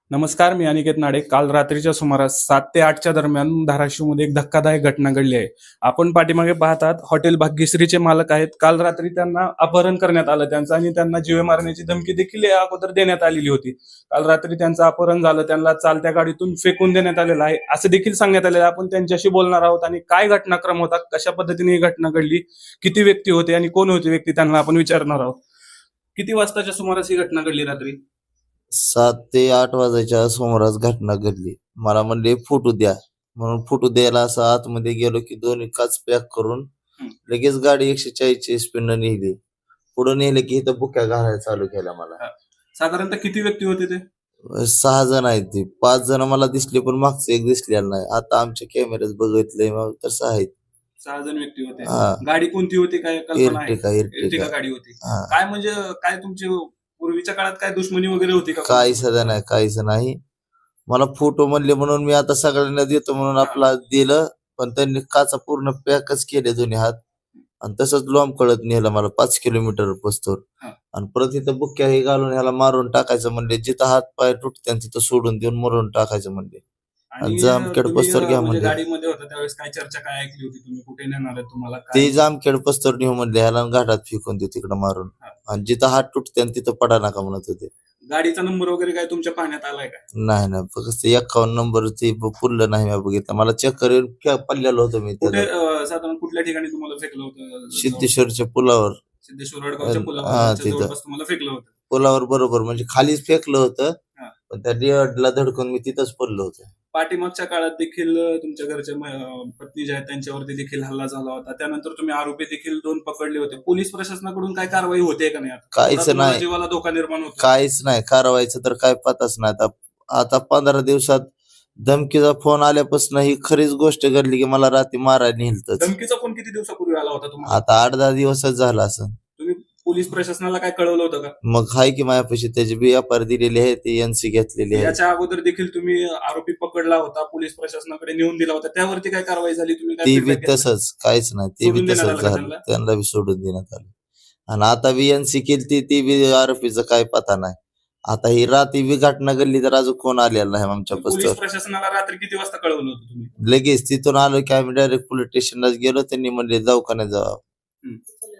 नमस्कार, मी अनिकेत नाडे. काल रात्रीच्या सुमारास 7 ते 8च्या दरम्यान धाराशिवमध्ये एक धक्कादायक घटना घडली आहे. आपण पाठीमागे पाहतात हॉटेल भाग्यश्रीचे मालक आहेत. काल रात्री त्यांना अपहरण करण्यात आलं त्यांचं आणि त्यांना जीवे मारण्याची धमकी देखील या अगोदर देण्यात आलेली होती. काल रात्री त्यांचं अपहरण झालं, त्यांना चालत्या गाडीतून फेकून देण्यात आलेलं आहे असं देखील सांगण्यात आलेलं आहे. आपण त्यांच्याशी बोलणार आहोत आणि काय घटनाक्रम होता, कशा पद्धतीने ही घटना घडली, किती व्यक्ती होते आणि कोण होते व्यक्ती त्यांना आपण विचारणार आहोत. किती वाजताच्या सुमारास ही घटना घडली रात्री? 7 ते 8 वाजायच्या सुमारास घटना घडली. मला म्हणले फोटो द्या म्हणून फोटो द्यायला असं आतमध्ये गेलो की दोन्ही काच पॅक करून लगेच गाडी 140ची स्पीडनं नेली. पुढे नेले की इथं बुक्या घालायला चालू केल्या मला. साधारणतः किती व्यक्ती होते ते? 6 जण आहेत ते. 5 जण मला दिसले पण मागचं एक दिसलेलं नाही. आता आमच्या कॅमेऱ्यात बघितलंय मग तर 6 आहेत. 6 जण व्यक्ती होते. हा. गाडी कोणती होती, काय कल्पना आहे? इर्टिका Ertiga गाडी होती. हा. काय म्हणजे काय तुमची पूर्वीच्या काळात काय दुश्मनी वगैरे होती का? काही सध्या नाही, काहीच नाही. मला फोटो म्हणले म्हणून मी आता सगळ्यांना देतो म्हणून आपला दिलं, पण त्यांनी काचा पूर्ण पॅकच केले दोन्ही हात आणि तसंच लॉम कळत नेलं मला 5 किलोमीटर पोचतोर. हा. आणि परत इथं बुक्या हे घालून ह्याला मारून टाकायचं म्हणले. जिथं हात पाय तुटते तिथं सोडून देऊन मरून टाकायचं म्हणले. आणि जामखेड तुम्ही, पस्तर घ्या म्हणजे म्हणले. गाडीमध्ये होता त्यावेळेस काय चर्चा काय ऐकली होती तुम्ही? कुठे नेणार आहे तुम्हाला ते काय? जामखेड पस्तर नेऊ म्हणले, ह्याला घाटात फेकून दे तिकडं मारून. हा. आणि जिथं हात तुटते तिथं पडा नका म्हणत होते. गाडीचा नंबर वगैरे काय तुमच्या पाहण्यात आलाय का? नाही फक्त 51 नंबर ते पुरलं नाही मी बघितलं. मला चेक करून पडलेलं होतं मी कुठे त्याला. साधारण कुठल्या ठिकाणी तुम्हाला फेकलं होतं? सिद्धेश्वरच्या पुलावर. सिद्धेश्वर वडगावच्या हा, पुलावर तिथं. जवळपास तुम्हाला फेकलं होतं. पुलावर बरोबर म्हणजे खालीच फेकलं होतं. हा. पण त्या डिअरला धडकून मी तिथंच पडलो होतो. पाठीमागच्या काळात देखील तुमच्या घरच्या पत्नी ज्या आहेत त्यांच्यावरती देखील हल्ला झाला होता. त्यानंतर तुम्ही आरोपी देखील 2 पकडले होते. पोलीस प्रशासनाकडून काय कारवाई होते का नाही? काहीच आता तुम्हाला नाही. जीवाला धोका निर्माण होतो. काहीच नाही कारवाईचं तर काय पताच नाही. आता 15 दिवसात धमकीचा फोन आल्यापासून ही खरीच गोष्ट घडली की मला रात्री मारायला नेलतच. धमकीचा फोन किती दिवसापूर्वी आला होता तुम्हाला? आता 8-10 दिवसच झाला असं. तुम्ही पोलीस प्रशासनाला काय कळवलं होतं का? मग हाय की माझ्यापाशी त्याची BFR दिलेली आहे, ती NC घेतलेली आहे. याच्या अगोदर देखील तुम्ही आरोपी पकडला होता, पोलीस प्रशासनाकडे नेऊन दिला होता, त्यावरती काय कारवाई झाली? तुम्ही काय ती बी feedback घेतला? तसंच काहीच नाही. ती बी सोडून देण्यात तसंच आलं का झालं. त्यांना? त्यांना बी सोडून देण्यात आलं. आणि आता बी NC केली ती बी आरोपीचं काय पता नाही. आता ही रात्री बी घटना घडली तर अजून कोण आलेला नाही आमच्या पोलीस पस्तर. प्रशासनाला रात्री किती वाजता कळवलं होतं तुम्ही? लगेच तिथून आलो की आम्ही डायरेक्ट पोलीस स्टेशनलाच गेलो. त्यांनी म्हणले दवाखान्यात जावा. हम्म.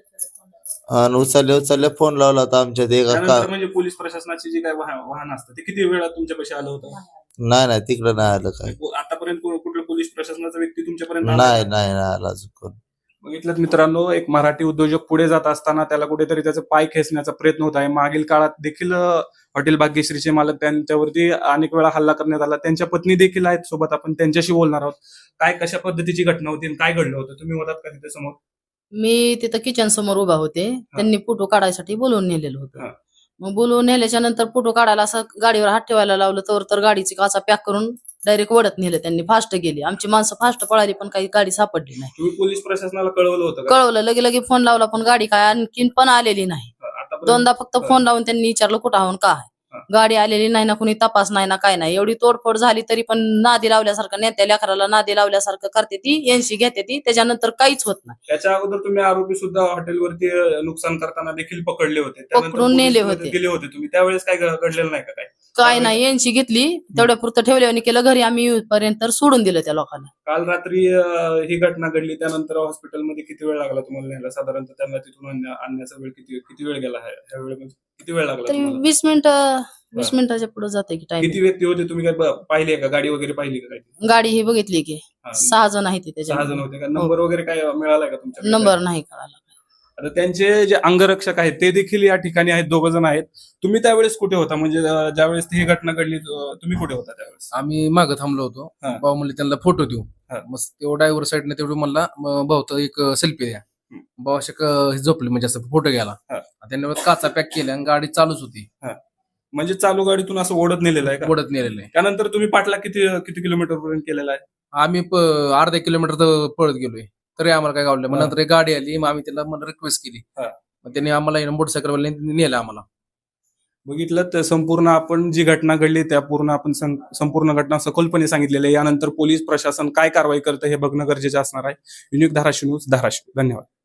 आणि उचलल्या फोन लावला होता आमच्या ते त्यानंतर म्हणजे पोलीस प्रशासनाची जी काय वाहन असतं ते किती वेळा तुमच्यापाशी आलं होतं? नाही तिकडं नाही आलं काय. आतापर्यंत कुठलं पोलीस प्रशासनाचा व्यक्ती तुमच्यापर्यंत आला नाही का? नाही आला अजून कोण. बघितलं मित्रांनो, एक मराठी उद्योजक पुढे जात असताना त्याला कुठेतरी त्याचा पाय खेचण्याचा प्रयत्न होत आहे. मागील काळात देखील हॉटेल भाग्यश्रीचे मालक त्यांच्यावरती अनेक वेळा हल्ला करण्यात आला. त्यांच्या पत्नी देखील आहेत सोबत, आपण त्यांच्याशी बोलणार आहोत. काय कशा पद्धतीची घटना होती आणि काय घडलं होतं? तुम्ही होतात का तिथे समोर? मी तिथं किचन समोर उभा होते. त्यांनी फोटो काढायसाठी बोलवून नेलेलं हा. होतं. मग बोलवून नेल्याच्या नंतर फोटो काढायला असं गाडीवर हात ठेवायला लावलं तर गाडीची काचा पॅक करून डायरेक्ट वडत नेलं. त्यांनी फास्ट गेली. आमची माणसं फास्ट पळाली पण काही गाडी सापडली नाही. तुम्ही पोलीस प्रशासनाला कळवलं होतं का? कळवलं, लगे फोन लावला पण गाडी काय आणखीन पण आलेली नाही. आतापर्यंत? दोनदा फक्त फोन लावून त्यांनी विचारलं कुठं आहोत का हा. आहे. गाडी आलेली नाही ना, कुणी तपास नाही ना, काय नाही. एवढी तोडफोड झाली तरी पण नादी लावल्यासारखं, नेत्या लेकराला नादी लावल्यासारखं करते ती. NC घेते ती. त्याच्यानंतर काहीच होत नाही. त्याच्या अगोदर तुम्ही आरोपी सुद्धा हॉटेलवरती नुकसान करताना देखील पकडले होते. त्यानंतर पकडून नेले पोलिसांमध्ये होते. गेले होते तुम्ही. त्यावेळेस काय घडलेलं नाही का काय? काय नाही, NC घेतली, तेवढ्या पुरतं ठेवल्याने केलं. घरी आम्ही येऊपर्यंत सोडून दिलं त्या लोकांना. काल रात्री ही घटना घडली, त्यानंतर हॉस्पिटलमध्ये किती वेळ लागला तुम्हाला न्यायला? साधारणतः त्यांना तिथून आणण्याचा वेळ किती वेळ गेला? ह्या वेळेमध्ये किती वेळ लागला तरी तुम्हाला? 20 मिनिटाच्या पुढे जाते की टाइम. किती व्यक्ती होते? तुम्ही काय पाहिली का? गाडी वगैरे पाहिली का? काय गाडी ही बघितली की हा. 6 जण आहेत 6 जण त्याच्या. होते का? नंबर वगैरे काय मिळालाय का तुमच्या? नंबर नाही कळाला. आता त्यांचे जे अंगरक्षक आहेत ते देखील या ठिकाणी आहेत, 2 जण आहेत. तुम्ही त्यावेळेस कुठे होता? म्हणजे ज्यावेळेस ही घटना घडली तुम्ही कुठे होता त्यावेळेस? आम्ही मागं थांबलो होतो. हा. भाऊ म्हणले त्यांना फोटो देऊ. हा. मग तेव्हा ड्रायव्हर साईडने तेवढं म्हणला भाऊ तर एक सेल्फी द्या. भाऊ असे झोपले म्हणजे असं फोटो घ्यायला. हा. त्यांनी काचा पॅक केल्या आणि गाडी चालूच होती. म्हणजे चालू गाडीतून असं ओढत नेलेलं आहे का? ओढत नेलेलं आहे. त्यानंतर तुम्ही पाठला किती किती किलोमीटर पर्यंत केलेला आहे? आम्ही अर्धा किलोमीटर तर पळत गेलोय तरी आम्हाला काय गावलं. मग हा. नंतर एक गाडी आली. मग आम्ही त्याला रिक्वेस्ट केली. हा. मग त्यांनी आम्हाला मोटरसायकलवाल्याने नेलं आम्हाला. बघितलं तर संपूर्ण आपण जी घटना घडली त्या पूर्ण आपण संपूर्ण घटना सखोलपणे सांगितलेली आहे. यानंतर पोलीस प्रशासन काय कारवाई करतं हे बघणं गरजेचं असणार आहे. Unique Dharashiv news, Dharashiv. धन्यवाद.